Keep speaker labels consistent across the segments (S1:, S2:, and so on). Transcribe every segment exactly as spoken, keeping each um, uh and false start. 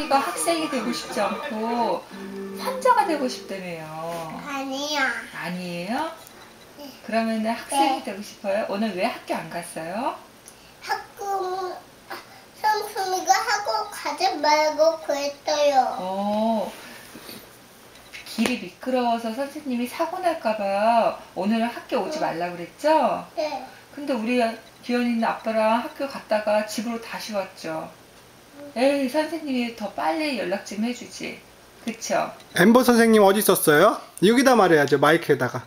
S1: 선생님이가 학생이 되고 싶지 않고 환자가 되고 싶다며요.
S2: 아니요.
S1: 아니에요?
S2: 네.
S1: 그러면 학생이
S2: 네.
S1: 되고 싶어요? 오늘 왜 학교 안 갔어요?
S2: 학교 삼촌이가 학교 가지 말고 그랬어요.
S1: 어, 길이 미끄러워서 선생님이 사고 날까봐 오늘은 학교 오지 말라고 그랬죠?
S2: 네.
S1: 근데 우리 기현이는 아빠랑 학교 갔다가 집으로 다시 왔죠. 에이, 선생님이 더 빨리 연락 좀 해주지. 그쵸?
S3: 엠버 선생님 어디 있었어요? 여기다 말해야죠. 마이크에다가.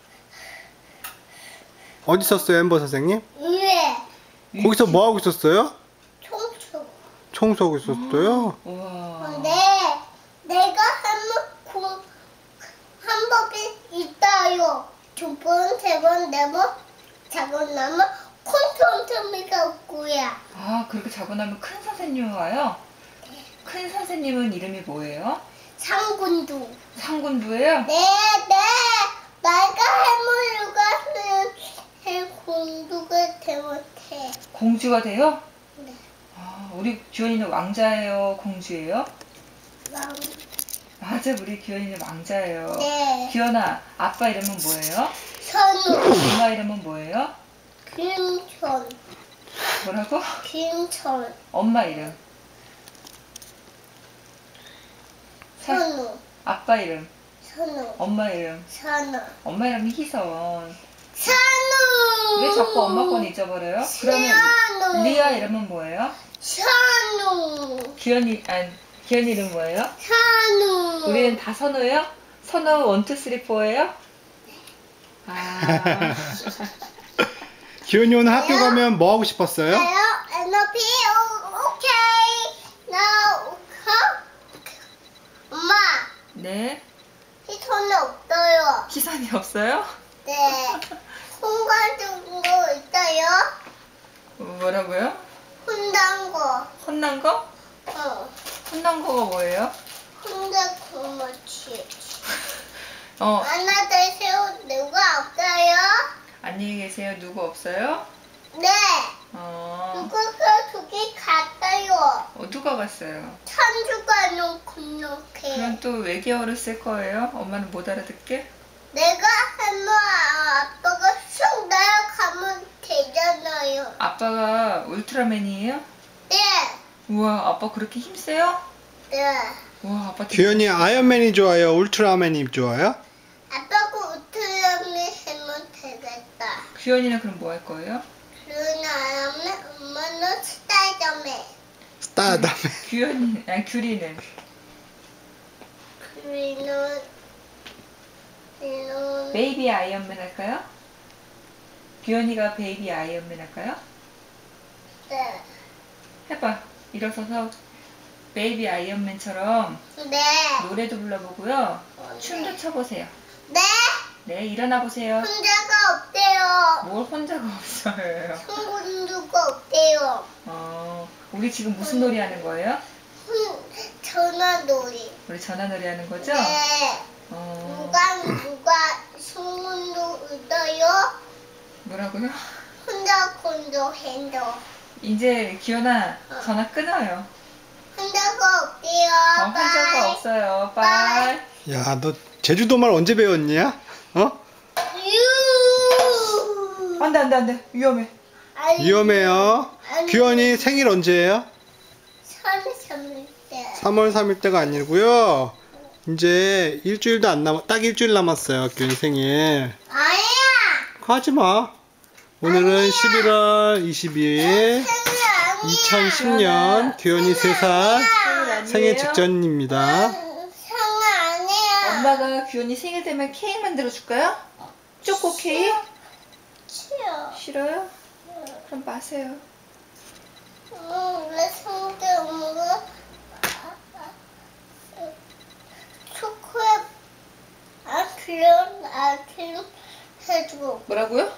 S3: 어디 있었어요, 엠버 선생님?
S2: 왜?
S3: 거기서 뭐 하고 있었어요?
S2: 청소.
S3: 청소하고 있었어요.
S1: 우와.
S2: 네. 내가 한번 공, 한 법이 있어요. 두 번, 세 번, 네 번 자고 나면 콘텀텀이가 없고야.
S1: 아, 그렇게 자고 나면 큰 선생님이 와요? 큰 선생님은 이름이 뭐예요?
S2: 상군도.
S1: 상군부예요?
S2: 네, 네. 내가 해물류가 하는 해 공주가 되면 돼.
S1: 공주가 돼요?
S2: 네.
S1: 아, 우리 기현이는 왕자예요? 공주예요?
S2: 왕.
S1: 맞아, 우리 기현이는 왕자예요.
S2: 네.
S1: 기현아, 아빠 이름은 뭐예요?
S2: 선우.
S1: 엄마 이름은 뭐예요?
S2: 김천.
S1: 뭐라고?
S2: 김천.
S1: 엄마 이름. 사-
S2: 선우.
S1: 아빠 이름.
S2: 선우.
S1: 엄마 이름.
S2: 선우.
S1: 엄마 이름이 희선.
S2: 선우.
S1: 왜 자꾸 엄마 건 잊어버려요? 그러면
S2: 선우.
S1: 리아 이름은 뭐예요?
S2: 선우.
S1: 기현이, 아니, 기현이 이름 뭐예요?
S2: 선우.
S1: 우리는 다 선우예요? 선우 원, 투, 쓰리, 포예요? 아,
S3: 기현이 오늘 학교 가면 뭐 하고 싶었어요?
S2: Hello, N O P, okay. Now, 엄마,
S1: 네.
S2: 희선이 없어요.
S1: 희선이 없어요?
S2: 네. 혼자 준거 있어요?
S1: 뭐라고요?
S2: 혼난 거.
S1: 혼난 거?
S2: 어.
S1: 혼난 거가 뭐예요?
S2: 혼자 고마치.
S1: 어,
S2: 하나 되세요. 누가 없어요?
S1: 안녕히 계세요. 누구 없어요?
S2: 네.
S1: 어,
S2: 누가 저기 갔어요.
S1: 어 누가 갔어요?
S2: 천주가 놓고 이렇게.
S1: 그럼 또 외계어를 쓸 거예요? 엄마는 못 알아듣게?
S2: 내가 하면 아빠가 쑥 날아가면 되잖아요.
S1: 아빠가 울트라맨이에요?
S2: 네.
S1: 우와, 아빠 그렇게 힘세요?
S2: 네.
S1: 우와, 아빠 되게-
S3: 기현이 아이언맨이 좋아요? 울트라맨이 좋아요?
S2: 아빠가 우트라미 하면 되겠다.
S1: 규현이는 그럼 뭐 할 거예요?
S2: 그러나 하면 엄마는 스타이더맨.
S3: 스타다맨.
S1: 규현이, 아니 규리는
S2: 그리는 이런
S1: 베이비 아이언맨 할까요? 규현이가 베이비 아이언맨 할까요?
S2: 네.
S1: 해봐. 일어서서 베이비 아이언맨처럼
S2: 네.
S1: 노래도 불러보고요.
S2: 네.
S1: 춤도 춰보세요.
S2: 네.
S1: 네, 일어나 보세요.
S2: 혼자가 없대요.
S1: 뭘 혼자가 없어요.
S2: 친구가 없대요.
S1: 어, 우리 지금 무슨 놀이 하는 거예요?
S2: 혼 전화놀이.
S1: 우리 전화놀이 하는 거죠?
S2: 네.
S1: 어,
S2: 누가 누가 소문도 얻어요?
S1: 뭐라고요?
S2: 혼자 콘도 핸도.
S1: 이제 기현아 전화 끊어요.
S2: 혼자가 없대요.
S1: 어, 혼자가
S2: 빠이.
S1: 없어요. 빠이.
S3: 야, 너 제주도 말 언제 배웠냐? 어?
S2: 유.
S1: 안돼 안돼 안돼 위험해.
S2: 아니,
S3: 위험해요.
S2: 아니,
S3: 기현이 생일 언제예요?
S2: 삼삼일 때.
S3: 삼월 삼일 때가 아니고요. 이제 일주일도 안 남았, 딱 일주일 남았어요. 기현이 생일.
S2: 아니야.
S3: 하지 마. 오늘은 십일월 이십이일
S2: 생일 아니야.
S3: 이천십 년 기현이 세 살
S1: 생일 아니에요?
S3: 생일 직전입니다.
S2: 생일 아니야.
S1: 엄마가 규현이 생일 되면 케이크 만들어 줄까요? 초코 케이크?
S2: 싫어.
S1: 싫어요? 그럼 마세요.
S2: 응, 왜 성대 엄마가 초콜릿 아크림 아크림 해주고.
S1: 뭐라고요?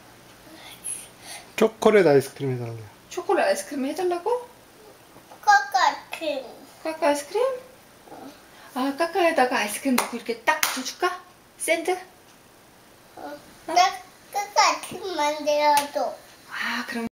S3: 초콜릿 아이스크림 해달래요.
S1: 초콜릿 아이스크림 해달라고?
S2: 까까크림.
S1: 까까 아이스크림? 아, 까까에다가 아이스크림 넣고 이렇게 딱 붙여줄까? 샌드?
S2: 어, 나 까까크림 만들어줘.
S1: 아, 그럼